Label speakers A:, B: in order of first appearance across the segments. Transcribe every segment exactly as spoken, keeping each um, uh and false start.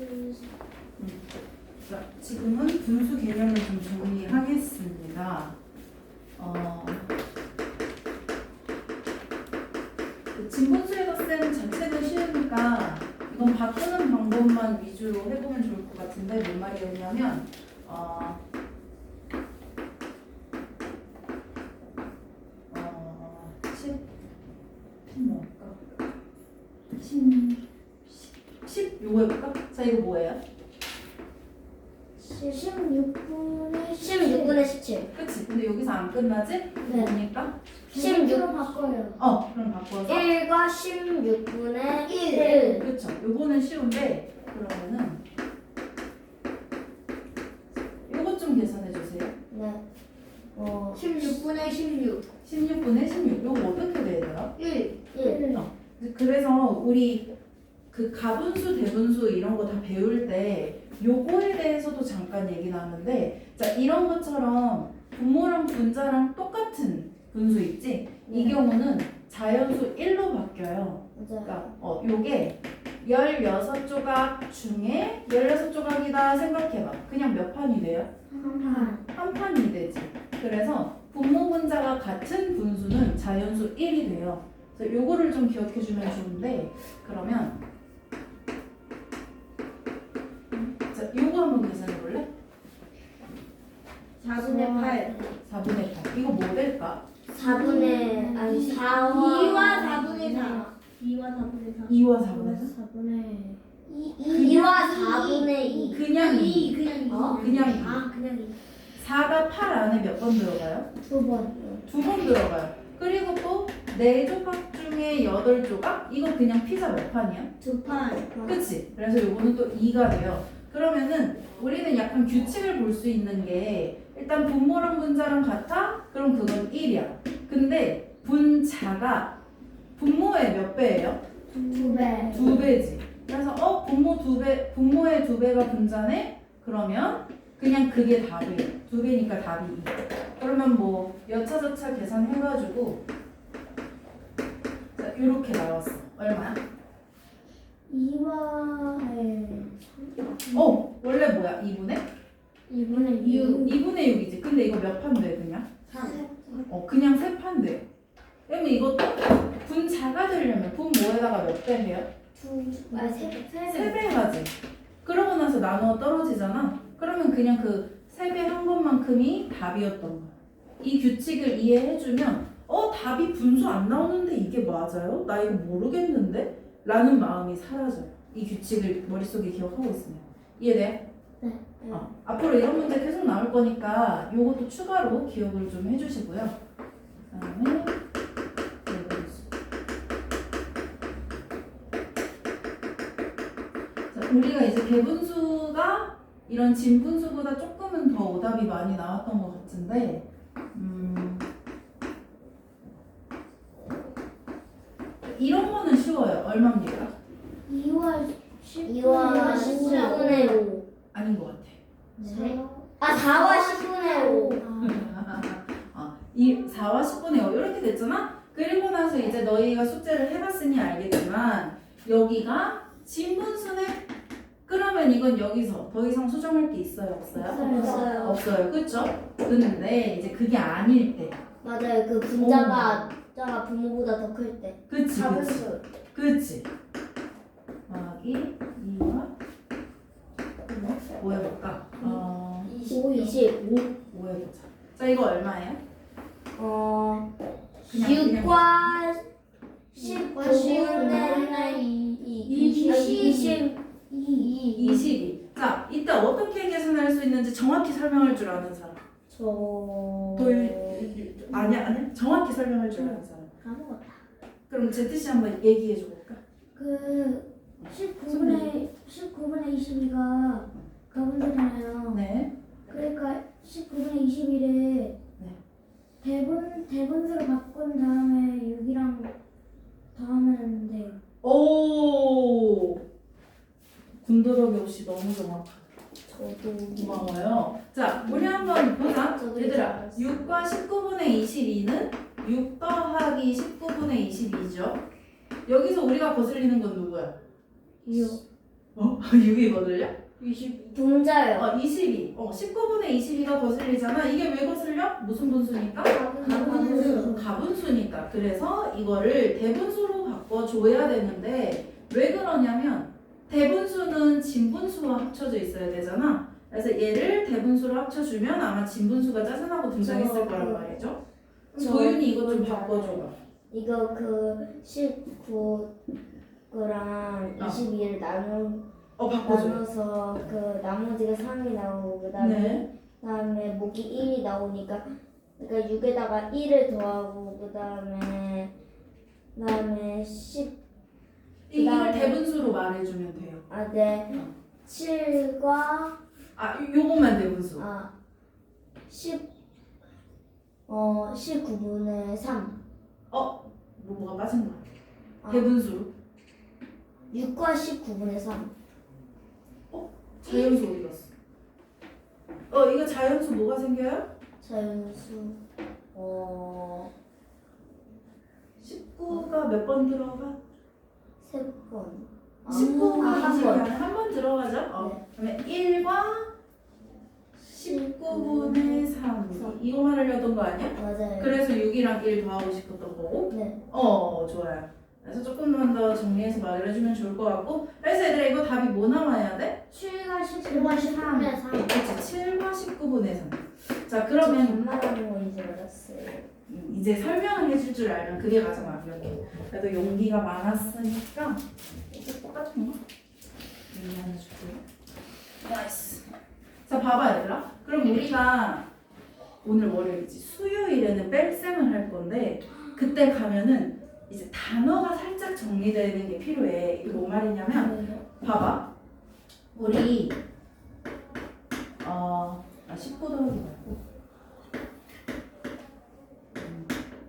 A: 음.
B: 자, 지금은 분수 개념을 좀 정리하겠습니다. 어, 진분수의 덧셈 자체는 쉬우니까 이건 바꾸는 방법만 위주로 해보면 좋을 것 같은데 뭔 말이었냐면 어, 어, 십, 뭐 할까? 십, 십 요거 해볼까? 자, 이거 뭐예요?
A: 십육 분의
C: 십육 분의 십칠.
B: 그치? 근데 여기서 안 끝나지?
A: 네.
B: 뭐니까?
A: 십육으로 바꿔요.
B: 어, 그럼 바꿔서
C: 일과 십육 분의
A: 일.
C: 일.
B: 그쵸? 요거는 쉬운데 그러면은 요것 좀 계산해 주세요.
C: 네. 어,
A: 십육 분의 십육.
B: 십육 분의 십육. 요거 어떻게 돼야 돼요?
A: 일.
C: 일.
B: 어. 그래서 우리 그 가분수, 대분수 이런 거 다 배울 때 요거에 대해서도 잠깐 얘기 나왔는데, 자, 이런 것처럼 분모랑 분자랑 똑같은 분수 있지? 이
C: 네.
B: 경우는 자연수 일로 바뀌어요.
C: 맞아요.
B: 그러니까 어, 요게 열여섯 조각 중에 열여섯 조각이다 생각해봐. 그냥 몇 판이 돼요?
A: 한 판.
B: 한 판이 되지. 그래서 분모 분자가 같은 분수는 자연수 일이 돼요. 그래서 요거를 좀 기억해 주면 좋은데, 그러면 자, 요거 한번 계산해 볼래?
A: 사분의 팔.
B: 사분의 팔. 이거 뭐 될까?
C: 사분의 아니 사와
A: 이와 사분의 사. 이와 사분의 사.
B: 이와 사분의 사?
C: 사분의
A: 이.
C: 이와 사분의 이.
B: 그냥 이.
A: 이. 그냥 이.
C: 어?
B: 그냥 이.
A: 아, 그냥 이.
B: 사가 팔 안에 몇 번 들어가요?
C: 두 번.
B: 두 번 들어가요. 그리고 또 네 조각 중에 여덟 조각? 이거 그냥 피자 몇 판이야?
A: 두 판.
B: 그치? 그래서 요거는 또 이가 돼요. 그러면은 우리는 약간 규칙을 볼 수 있는 게, 일단 분모랑 분자랑 같아? 그럼 그건 일이야. 근데 분자가 분모의 몇 배예요?
A: 두 배.
B: 두 배지. 그래서 어? 분모 두 배, 분모의 두 배가 분자네? 그러면 그냥 그게 답이에요. 두 배니까 답이 이. 그러면 뭐 여차저차 계산해가지고 자, 이렇게 나왔어. 얼마야?
A: 이와
B: 어, 원래 뭐야? 이분의?
A: 이분의 육.
B: 이분의 육이지. 근데 이거 몇 판 돼, 그냥? 어, 그냥 세 판 돼. 그러면 이것도 분자가 되려면 분모에다가 몇 배 해요?
A: 두. 아, 세 배.
B: 세 배 하지. 그러고 나서 나누어 떨어지잖아. 그러면 그냥 그 세 배 한 것만큼이 답이었던 거야. 이 규칙을 이해해주면 어? 답이 분수 안 나오는데 이게 맞아요? 나 이거 모르겠는데? 라는 마음이 사라져요. 이 규칙을 머릿속에 기억하고 있으면. 이해돼?
A: 네.
B: 어, 앞으로 이런 문제 계속 나올 거니까 요것도 추가로 기억을 좀 해주시고요. 그 다음에 대분수. 자, 우리가 이제 대분수가 이런 진분수보다 조금은 더 오답이 많이 나왔던 것 같은데, 음, 이런 거는 쉬워요. 얼마입니까?
A: 이와 십.
C: 이와 십분의 오.
B: 아닌 것 같아.
A: 네.
C: 아 사와 십분의 오.
B: 어, 이 사와 십분의 오 이렇게 됐잖아? 그리고 나서 이제 너희가 숙제를 해봤으니 알겠지만 여기가 진분수네? 그러면 이건 여기서 더 이상 수정할 게 있어요? 없어요?
C: 없어요.
B: 없어요. 그쵸? 근데 이제 그게 아닐 때.
C: 맞아요. 그 분자가 자가 분모보다 더 클 때.
B: 그치 그치
C: 사분수.
B: 그치. 더하기 이와 뭐 해볼까? 어,
C: 오, 이십.
B: 오, 오 해보자. 자, 이거 얼마예요?
C: 어,
B: 그냥,
C: 육과 십분의 이십.
A: 이.
B: 이십이. 자, 이때 어떻게 계산할 수 있는지 정확히 설명할 줄 아는 사람.
C: 저.
B: 도일 아니야 아니야 정확히 설명할 줄 아는 사람.
A: 까먹었다.
B: 그럼 제트 씨 한번 얘기해 줘 볼까?
A: 그 십구분의 십구분의 이십이가 가분수잖아요.
B: 네.
A: 그러니까 십구분의 이십일에
B: 네.
A: 대분 대분수로 바꾼 다음에 육이랑 더하면 돼요.
B: 오. 군더더기 없이 너무 정확하다.
C: 저도.
B: 고마워요. 자, 우리 한번 보자.
C: 저도
B: 얘들아,
C: 이제
B: 육과 십구분의 이십이는 육 더하기 십구분의 이십이죠. 여기서 우리가 거슬리는 건 누구야?
A: 육.
B: 어? 육이 거슬려?
A: 이십.
C: 분자요.
B: 어, 이십이. 어, 십구분의 이십이가 거슬리잖아. 이게 왜 거슬려? 무슨 분수니까?
A: 가분수.
B: 가분수니까. 그래서 이거를 대분수로 바꿔줘야 되는데 왜 그러냐면 대분수는 진분수와 합쳐져 있어야 되잖아. 그래서 얘를 대분수로 합쳐주면 아마 진분수가 짜증나고 등장했을
C: 저
B: 거란
C: 그-
B: 말이죠.
C: 저
B: 도윤이 이거 좀
C: 그건
B: 바꿔줘봐.
C: 이거 그 십구랑
B: 어.
C: 이십이를 나누
B: 어, 바꿔줘.
C: 나눠서 그 나머지가 삼이 나오고 그다음에
B: 네.
C: 그다음에 목이 일이 나오니까 그러니까 육에다가 일을 더하고 그다음에 그다음에 십
B: 이- 이걸
C: 그다음에-
B: 대분수로 말해주면 돼요.
C: 아, 네. 칠과
B: 아, 요- 요것만 대분수.
C: 아, 십 어, 십구분의 삼.
B: 뭐, 뭐가 빠진 거야?
C: 아,
B: 대분수로.
C: 육과 십구분의 삼.
B: 자연수 어디 갔어? 어, 이거 자연수 뭐가 생겨요?
C: 자연수 어,
B: 십구가 몇 번 들어가?
C: 세 번. 아,
B: 십구가
C: 아, 한
B: 이십이
C: 번.
B: 안에 한 번 들어가죠? 어.
C: 네.
B: 그다음에 일과 십구분의 삼. 이거 말하려던 거 아니야?
C: 맞아요.
B: 그래서 육이랑 일 더하고 싶었던 거고.
C: 네.
B: 어, 좋아요. 그래서 조금만 더 정리해서 말해주면 좋을 것 같고. 그래서 얘들아 이거 답이 뭐 나와야 돼?
A: 칠과 십구와 십삼.
B: 그렇지. 칠과 십구분의 삼. 자, 그러면
C: 반말하는 거 이제 알았어요.
B: 음, 이제 설명을 해줄 줄 알면 그게 가장 완벽해. 그래도 용기가 많았으니까 이게 똑같은 거 용기 하나 줄게요. 나이스. 자, 봐봐 얘들아. 그럼 우리가 오늘 월요일이지. 수요일에는 뺄셈을 할 건데 그때 가면은 이제 단어가 살짝 정리되는 게 필요해. 이게 뭐 말이냐면 봐봐. 우리 어, 아, 십구 더하기 말고 음,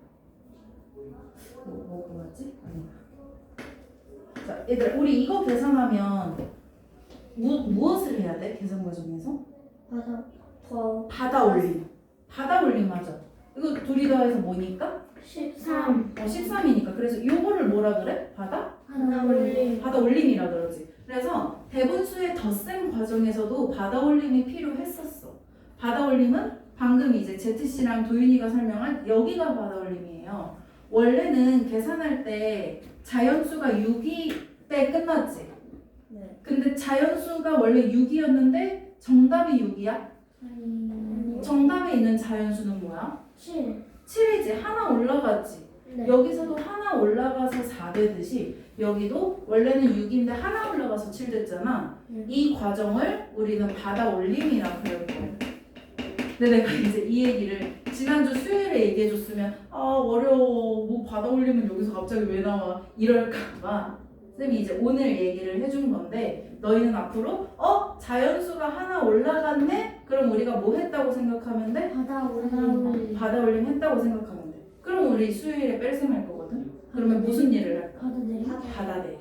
B: 뭐, 뭐, 뭐였지? 아니. 자, 얘들아, 우리 이거 계산하면 무, 무엇을 해야 돼? 계산 과정에서?
C: 받아 더
B: 받아 올림. 받아 올림 하죠. 이거 둘이 더해서 뭐니까?
A: 십삼.
B: 어, 십삼이니까. 그래서 이거를 뭐라 그래? 받아?
A: 하나 올림.
B: 받아 올림이라 그러지. 그래서 대분수의 덧셈 과정에서도 받아 올림이 필요했었어. 받아 올림은 방금 이제 제트씨랑 도윤이가 설명한 여기가 받아 올림이에요. 원래는 계산할 때 자연수가 육이 때 끝났지.
C: 네.
B: 근데 자연수가 원래 육이었는데 정답이 육이야?
A: 아니.
B: 정답에 있는 자연수는 뭐야?
A: 칠.
B: 칠이지. 하나 올라갔지.
A: 네.
B: 여기서도 하나 올라가서 사 되듯이 여기도 원래는 육인데 하나 올라가서 칠 됐잖아.
C: 음.
B: 이 과정을 우리는 받아 올림이라고 해요. 근데 내가 이제 이 얘기를 지난주 수요일에 얘기해줬으면 아 어려워 뭐 받아 올림은 여기서 갑자기 왜 나와 이럴까봐 쌤이 이제 오늘 얘기를 해준 건데 너희는 앞으로 어 자연수가 하나 올라갔네? 그럼 우리가 뭐 했다고 생각하면 돼?
A: 바다 올림.
B: 받아 올림 했다고 생각하면 돼. 그럼 우리 수요일에 뺄셈 할 거거든. 그러면 무슨 일을 할까?
A: 바다 내림.
B: 받아 내림.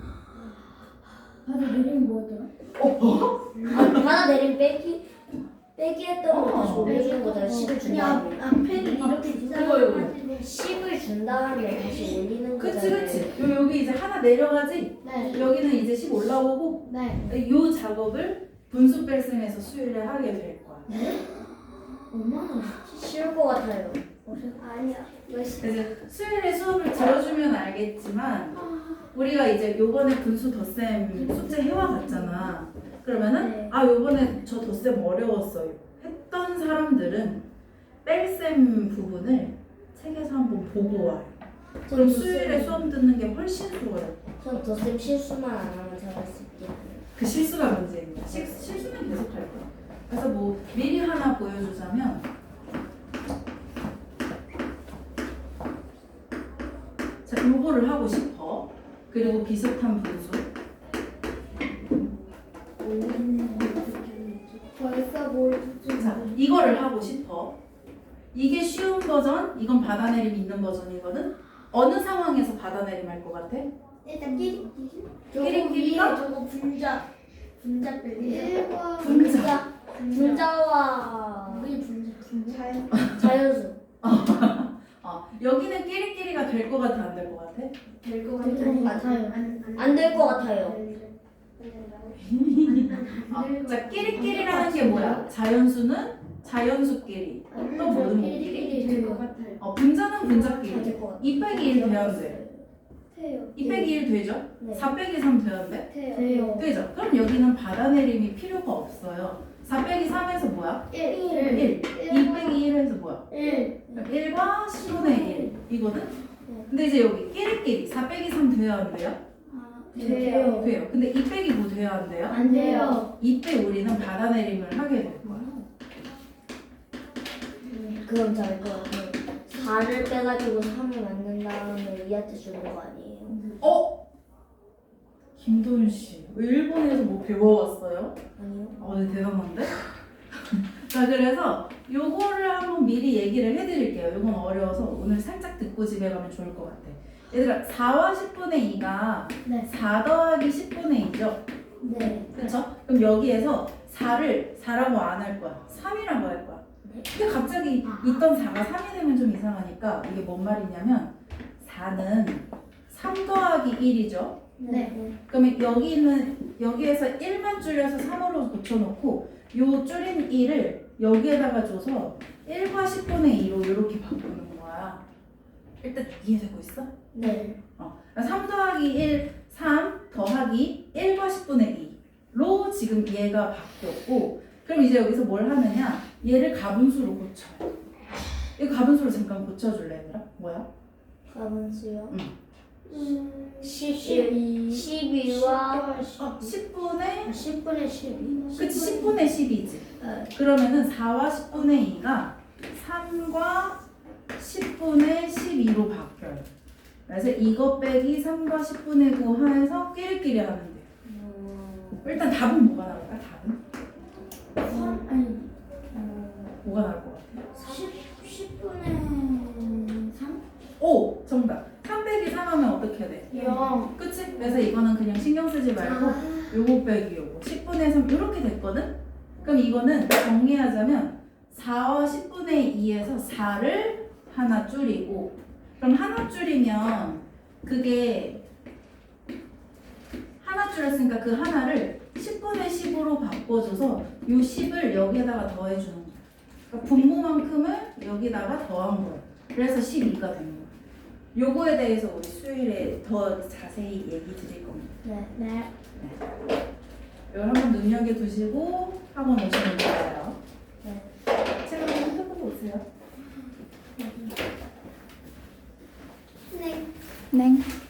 A: 바다 내림 뭐더라?
B: 어 뭐?
C: 아, 받아 내린 빼기 빼기 했던 거 다시
B: 어.
C: 올려주는 거잖아. 십을 준 다음에
A: 앞에는 이렇게
B: 이거, 이거.
C: 십을 준 다음에 다시 올리는 거잖아.
B: 그치 그치. 요 여기 이제 하나 내려가지.
A: 네.
B: 여기는 이제 십 올라오고
A: 네.
B: 요 작업을 분수 뺄셈에서 수요일에 하게 될 거야.
A: 얼마나
C: 쉬울 것 같아요.
A: 아니야.
B: 그래서 수요일에 수업을 들어주면 알겠지만 우리가 이제 요번에 분수 덧셈 숙제 해와갔잖아. 그러면은
C: 네.
B: 아 요번에 저 덧셈 어려웠어요 했던 사람들은 뺄셈 부분을 책에서 한번 보고 와요. 그럼 수요일에 수업 듣는 게 훨씬 수월해.
C: 전 덧셈 실수만 안 하면 잘할 수 있겠네요.
B: 그 실수가 문제인 거야. 실, 실수는 계속 할 거야. 그래서 뭐 미리 하나 보여주자면 자 요거를 하고 싶어. 그리고 비슷한 분수.
A: 벌써 뭘
B: 자 이거를 하고 싶어. 이게 쉬운 버전, 이건 받아내림 있는 버전이거든. 어느 상황에서 받아내림 할 것 같아?
A: 일단 끼리
B: 끼리끼리가?
A: 저거 분자 분자 빼기. 일과
B: 분자.
C: 분자와
A: 우리 분자 분자.
C: 자연수.
B: 어, 여기는 끼리끼리가 될 것 같아, 안 될 것 같아?
A: 될것 같아요.
C: 안 될 것 같아요.
B: 어, 자, 끼리끼리라는 게 뭐야? 자연수는 자연수끼리. 또 뭐는 뭐?
A: 될것 같아요.
B: 어, 분자는 분자끼리.
C: 될것 같아요.
B: 이 빼기 일 돼야 돼.
A: 돼요.
B: 이 빼기 일 되죠?
C: 네.
B: 사 빼기 삼 돼야 돼?
A: 돼요.
B: 되죠? 그럼 여기는 받아내림이 필요가 없어요. 사 빼기 삼에서 뭐야?
A: 일.
B: 일. 이 빼기 일에서 뭐야?
A: 일.
B: 일과 십분의 일 이거든? 근데 이제 여기 끼리끼리 사 빼기 삼 돼야 안 돼요?
A: 돼요.
B: 돼요. 근데 이 빼기 뭐 돼야 안 돼요?
A: 안 돼요.
B: 이때 우리는 받아내림을 하게 될 거야.
C: 음, 그럼 잘 것 같아요. 사를 빼가지고 삼을 만든 다음에 이한테 주는 거 아니에요?
B: 어? 김도윤 씨, 왜 일본에서 뭐 배워왔어요?
C: 아니요.
B: 어, 네, 대단한데? 자, 그래서 요거를 한번 미리 얘기를 해드릴게요. 요건 어려워서 오늘 살짝 듣고 집에 가면 좋을 것 같아. 얘들아, 사와 십분의 이가
A: 네.
B: 사 더하기 십분의 이죠?
A: 네.
B: 그쵸? 그럼 여기에서 사를 사라고 안 할 거야. 삼이라고 할 거야. 근데 갑자기 있던 사가 삼이 되면 좀 이상하니까 이게 뭔 말이냐면 사는 삼 더하기 일이죠?
A: 네.
B: 그러면 여기는 여기에서 일만 줄여서 삼으로 고쳐놓고 요 줄인 일을 여기에다가 줘서 일과 십분의 이로 이렇게 바꾸는 거야. 일단 이해되고 있어?
C: 네.
B: 어. 삼 더하기 일, 삼 더하기 일과 십분의 이로 지금 얘가 바뀌었고 그럼 이제 여기서 뭘 하느냐? 얘를 가분수로 고쳐. 이거 가분수로 잠깐 고쳐줄래 얘들아? 뭐야?
C: 가분수요?
B: 응.
A: 음,
C: 십이. 십이와
B: 어, 십분의
A: 십분의 십이.
B: 그치 십분의 십이지.
C: 네.
B: 그러면은 사와 십분의 이가 삼과 십분의 십이로 바뀌어요. 그래서 이거 빼기 삼과 십분의 구 해서 끼리끼리 하면 돼요.
C: 음,
B: 일단 답은 뭐가 나올까? 답은?
A: 삼 아니
C: 음,
B: 뭐가 나올 것 같아?
A: 십 십분의 삼.
B: 오! 정답! 삼 빼기 삼 하면 어떻게 돼?
A: 영.
B: 그치? 그래서 이거는 그냥 신경 쓰지 말고 요거 빼기 요거 십분의 삼 이렇게 됐거든? 그럼 이거는 정리하자면 사와 십분의 이에서 사를 하나 줄이고 그럼 하나 줄이면 그게 하나 줄였으니까 그 하나를 십분의 십으로 바꿔줘서 요 십을 여기에다가 더해주는 거야. 그러니까 분모만큼을 여기다가 더한 거야. 그래서 십이가 되는 거야. 요거에 대해서 우리 수요일에 더 자세히 얘기 드릴 겁니다.
C: 네.
A: 네.
B: 이걸 한번 눈여겨두시고 학원 오시면 좋아요.
C: 네.
B: 제가 한번 해보고 오세요.
A: 네.
B: 네.